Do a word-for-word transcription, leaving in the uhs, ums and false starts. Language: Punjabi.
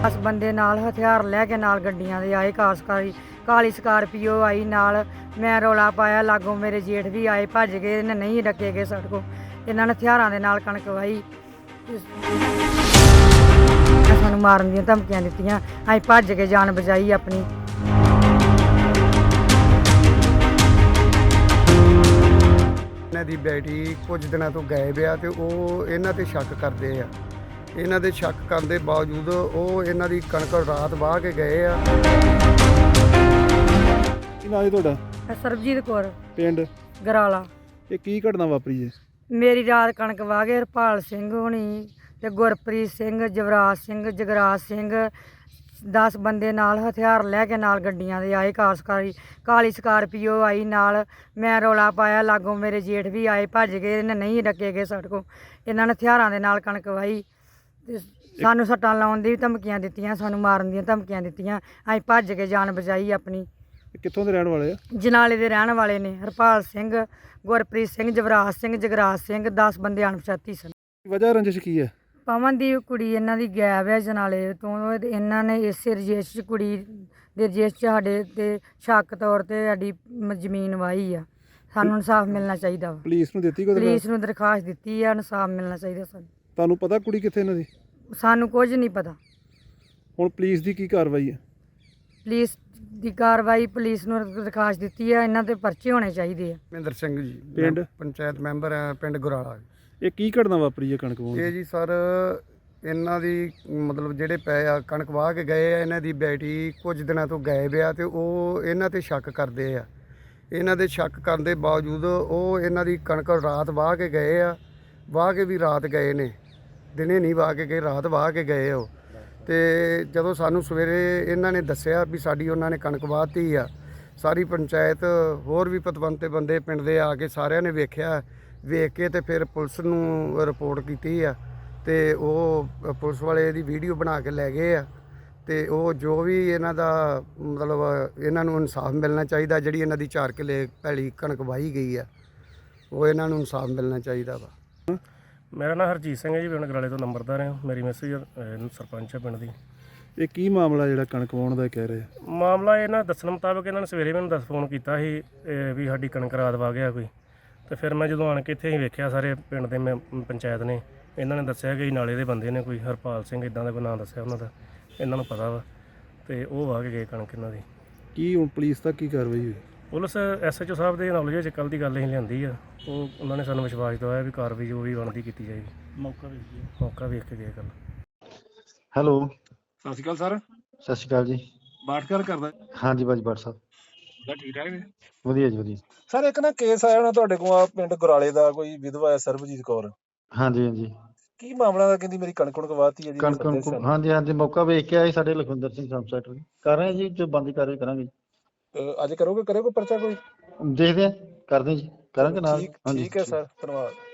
दस बंदे नाल हथियार लैके नाल गड्डियां दे आए, कासकारी काली स्कार्पियो आई नाल। मैं रौला पाया, लागों मेरे जेठ भी आए, भज गए, इन्हें नहीं डके गए साडे कोल। इन्हां ने हथियारां दे नाल कणक वाही, सानूं मारन दीयां धमकियां दित्तियां, असीं भज के जान बचाई अपनी। ਇਹਨਾਂ ਦੀ ਬੇਟੀ ਕੁਝ ਦਿਨਾਂ ਤੋਂ ਗਾਇਬ ਆ ਤੇ ਉਹ ਇਹਨਾਂ ਤੇ ਸ਼ੱਕ ਕਰਦੇ ਆ। ਇਹਨਾਂ ਦੇ ਸ਼ੱਕ ਕਰਨ ਦੇ ਬਾਵਜੂਦ ਉਹ ਇਹਨਾਂ ਦੀ ਕਣਕ ਰਾਤ ਵਾਹ ਕੇ ਗਏ ਆ। ਕੀ ਨਾਂ ਹੈ ਤੁਹਾਡਾ? ਸਰਬਜੀਤ ਕੌਰ, ਪਿੰਡ ਗਰਾਲਾ। ਇਹ ਕੀ ਘਟਨਾ ਵਾਪਰੀ ਜੀ? ਮੇਰੀ ਰਾਤ ਕਣਕ ਵਾਹ ਗਏ ਹਰਪਾਲ ਸਿੰਘ ਹੋਣੀ ਤੇ ਗੁਰਪ੍ਰੀਤ ਸਿੰਘ, ਜਵਰਾਜ ਸਿੰਘ, ਜਗਰਾਜ ਸਿੰਘ, दस बंदे नाल हथियार लैके नाल गड्डियां दे आए, कासकारी काली स्कार्पियो आई नाल। मैं रौला पाया, लागों मेरे जेठ भी आए, भज गए, इन्हें नहीं डके गए साडे कोल। इन्हां ने हथियारां दे नाल कणक वाही, सानूं सट्टां लाउण दी धमकियां दित्तियां, सानूं मारन दीयां धमकियां दित्तियां, असीं भज के जान बचाई अपनी। कित्थों दे रहण वाले आ? जनाले दे रहण वाले ने, हरपाल सिंह, गुरप्रीत सिंह, जवराज सिंह, जगराज सिंह, दस बंदे अणपछाती सन। वजह रंजिश की है? ਪਵਨ ਦੀ ਕੁੜੀ ਇਹਨਾਂ ਦੀ ਗਾਇਬ ਹੈ ਜਨਾਲੇ ਤੋਂ। ਇਹਨਾਂ ਨੇ ਇਸੇ ਰਜੇਸ਼ 'ਚ ਕੁੜੀ ਦੇ ਰਜੇਸ਼ 'ਚ ਸਾਡੇ 'ਤੇ ਸ਼ੱਕ ਤੌਰ 'ਤੇ ਸਾਡੀ ਮ- ਜ਼ਮੀਨ ਵਾਹੀ ਆ। ਸਾਨੂੰ ਇਨਸਾਫ ਮਿਲਣਾ ਚਾਹੀਦਾ ਵਾ। ਪੁਲਿਸ ਨੂੰ ਦਿੱਤੀ ਕੋਈ ਪੁਲਿਸ ਦਰਖਾਸਤ? ਨੂੰ ਦਰਖਾਸਤ ਦਿੱਤੀ ਆ, ਇਨਸਾਫ ਮਿਲਣਾ ਚਾਹੀਦਾ ਸਾਨੂੰ। ਤੁਹਾਨੂੰ ਪਤਾ ਕੁੜੀ ਕਿੱਥੇ ਇਹਨਾਂ ਦੀ? ਸਾਨੂੰ ਕੁਝ ਨਹੀਂ ਪਤਾ। ਹੁਣ ਪੁਲਿਸ ਦੀ ਕੀ ਕਾਰਵਾਈ ਹੈ? ਪੁਲਿਸ ਦੀ ਕਾਰਵਾਈ, ਪੁਲਿਸ ਨੂੰ ਦਰਖਾਸਤ ਦਿੱਤੀ ਆ, ਇਹਨਾਂ 'ਤੇ ਪਰਚੇ ਹੋਣੇ ਚਾਹੀਦੇ ਆ। ਮਹਿੰਦਰ ਸਿੰਘ ਜੀ, ਪਿੰਡ? ਮੈਂ ਪੰਚਾਇਤ ਮੈਂਬਰ ਆ ਪਿੰਡ ਗੁਰਾਲਾ। ਇਹ ਕੀ ਘਟਨਾ ਵਾਪਰੀ ਹੈ ਕਣਕ ਵਾਹੁਣ ਇਹ ਦੀ? ਜੀ ਸਰ ਇਹਨਾਂ ਦੀ ਮਤਲਬ ਜਿਹੜੇ ਪਏ ਆ ਕਣਕ ਵਾਹ ਕੇ ਗਏ ਆ, ਇਹਨਾਂ ਦੀ ਬੇਟੀ ਕੁਝ ਦਿਨਾਂ ਤੋਂ ਗਾਇਬ ਆ ਤੇ ਉਹ ਇਹਨਾਂ ਤੇ ਸ਼ੱਕ ਕਰਦੇ ਆ। ਇਹਨਾਂ ਦੇ ਸ਼ੱਕ ਕਰਨ ਦੇ ਬਾਵਜੂਦ ਉਹ ਇਹਨਾਂ ਦੀ ਕਣਕ ਰਾਤ ਵਾਹ ਕੇ ਗਏ ਆ। ਵਾਹ ਕੇ ਵੀ ਰਾਤ ਗਏ ਨੇ, ਦਿਨੇ ਨਹੀਂ ਵਾਹ ਕੇ ਗਏ, ਰਾਤ ਵਾਹ ਕੇ ਗਏ ਉਹ। ਤੇ ਜਦੋਂ ਸਾਨੂੰ ਸਵੇਰੇ ਇਹਨਾਂ ਨੇ ਦੱਸਿਆ ਵੀ ਸਾਡੀ ਉਹਨਾਂ ਨੇ ਕਣਕ ਵਾਹਤੀ ਆ, ਸਾਰੀ ਪੰਚਾਇਤ ਹੋਰ ਵੀ ਪਤਵੰਤੇ ਬੰਦੇ ਪਿੰਡ ਦੇ ਆ ਕੇ ਸਾਰਿਆਂ ਨੇ ਵੇਖਿਆ। ਵੇਖ ਕੇ ਤੇ ਫਿਰ ਪੁਲਿਸ ਨੂੰ ਰਿਪੋਰਟ ਕੀਤੀ ਆ ਤੇ ਉਹ ਪੁਲਿਸ ਵਾਲੇ ਇਹਦੀ ਵੀਡੀਓ ਬਣਾ ਕੇ ਲੈ ਗਏ ਆ। ਤੇ ਉਹ ਜੋ ਵੀ ਇਹਨਾਂ ਦਾ ਮਤਲਬ ਇਹਨਾਂ ਨੂੰ ਇਨਸਾਫ ਮਿਲਣਾ ਚਾਹੀਦਾ, ਜਿਹੜੀ ਇਹਨਾਂ ਦੀ ਚਾਰ ਕਿੱਲੇ ਭੈਲੀ ਕਣਕ ਵਾਹੀ ਗਈ ਆ, ਉਹ ਇਹਨਾਂ ਨੂੰ ਇਨਸਾਫ ਮਿਲਣਾ ਚਾਹੀਦਾ ਵਾ। ਮੇਰਾ ਨਾਮ ਹਰਜੀਤ ਸਿੰਘ ਹੈ ਜੀ, ਪਿੰਡ ਗਰਾਲੇ ਤੋਂ ਨੰਬਰਦਾਰ ਹਾਂ। ਮੇਰੀ ਮੈਸੇਜ ਸਰਪੰਚ ਹੈ ਪਿੰਡ ਦੀ। ਇਹ ਕੀ ਮਾਮਲਾ ਜਿਹੜਾ ਕਣਕ ਵਾਹੁਣ ਦਾ ਕਹਿ ਰਹੇ? ਮਾਮਲਾ ਇਹਨਾਂ ਦੱਸਣ ਮੁਤਾਬਕ ਇਹਨਾਂ ਨੇ ਸਵੇਰੇ ਮੈਨੂੰ ਦੱਸ ਫੋਨ ਕੀਤਾ ਸੀ ਇਹ ਵੀ ਸਾਡੀ ਕਣਕ ਰਾਤ ਵਾ ਗਿਆ ਕੋਈ। ਤੇ ਫਿਰ ਮੈਂ ਜਦੋਂ ਆਣ ਕੇ ਇੱਥੇ ਹੀ ਵੇਖਿਆ, ਸਾਰੇ ਪਿੰਡ ਦੇ ਮੈਂ ਪੰਚਾਇਤ ਨੇ ਇਹਨਾਂ ਨੇ ਦੱਸਿਆ ਕਿ ਨਾਲੇ ਦੇ ਬੰਦੇ ਨੇ ਕੋਈ ਹਰਪਾਲ ਸਿੰਘ ਇੱਦਾਂ ਦਾ ਕੋਈ ਨਾਂ ਦੱਸਿਆ ਉਹਨਾਂ ਦਾ, ਇਹਨਾਂ ਨੂੰ ਪਤਾ ਵਾ। ਤੇ ਉਹ ਵਾਹ ਕੇ ਗਏ ਕਣਕ ਇਹਨਾਂ ਦੀ। ਕੀ ਹੁਣ ਪੁਲਿਸ ਦਾ ਕੀ ਕਾਰਵਾਈ ਹੋਈ? ਪੁਲਿਸ ਐਸ ਐਚ ਓ ਸਾਹਿਬ ਦੇ ਨੌਲੇਜ ਵਿੱਚ ਕੱਲ੍ਹ ਦੀ ਗੱਲ ਅਸੀਂ ਲਿਆਂਦੀ ਆ। ਉਹ ਉਹਨਾਂ ਨੇ ਸਾਨੂੰ ਵਿਸ਼ਵਾਸ ਦਿਵਾਇਆ ਵੀ ਕਾਰਵਾਈ ਜੋ ਵੀ ਬਣਦੀ ਕੀਤੀ ਜਾਏਗੀ। ਮੌਕਾ ਵੇਖ ਮੌਕਾ ਵੇਖ ਕੇ ਗਏ ਕੱਲ੍ਹ। ਹੈਲੋ, ਸਤਿ ਸ਼੍ਰੀ ਅਕਾਲ ਸਰ। ਸਤਿ ਸ਼੍ਰੀ ਅਕਾਲ ਜੀ। ਬਾਠ ਗੱਲ ਕਰਦਾ ਹਾਂਜੀ ਬਾਜੀ ਬਾਠ ਸਾਹਿਬ, ਬਸ ਠੀਕ ਠਾਕ ਨੇ ਵਧੀਆ ਜੀ ਵਧੀਆ। ਸਰ। ਇੱਕ ਨਾ ਕੇਸ ਆਇਆ ਹੋਣਾ ਤੁਹਾਡੇ ਕੋਲ ਆ ਪਿੰਡ ਗੁਰਾਲੇ ਦਾ, ਕੋਈ ਵਿਧਵਾ ਹੈ ਸਰਬਜੀਤ ਕੌਰ। ਹਾਂਜੀ ਹਾਂਜੀ, ਕੀ ਮਾਮਲਾ ਦਾ? ਕਹਿੰਦੀ ਮੇਰੀ ਕਣਕ ਕਣਕ ਵਾਹਤੀ ਹੈ ਜੀ। ਕਣਕ ਕਣਕ ਹਾਂਜੀ ਹਾਂਜੀ, ਮੌਕਾ ਵੇਖ ਕੇ ਆਏ ਸਾਡੇ ਲਖਵਿੰਦਰ ਸਿੰਘ ਸਬ ਸੈਕਟਰੀ। ਕਰ ਰਹੇ ਜੀ, ਜੋ ਬੰਦੀ ਕਾਰਵਾਈ ਕਰਾਂਗੇ। ਅਹ ਅੱਜ ਕਰੋਗੇ ਕਰਿਓ ਕੋਈ ਪਰਚਾ ਕੋਈ? ਦੇਖਦੇ ਆ, ਕਰਦੇ ਜੀ, ਕਰਾਂਗੇ ਨਾਲ। ਠੀਕ ਹਾਂਜੀ ਠੀਕ ਹੈ ਸਰ, ਧੰਨਵਾਦ।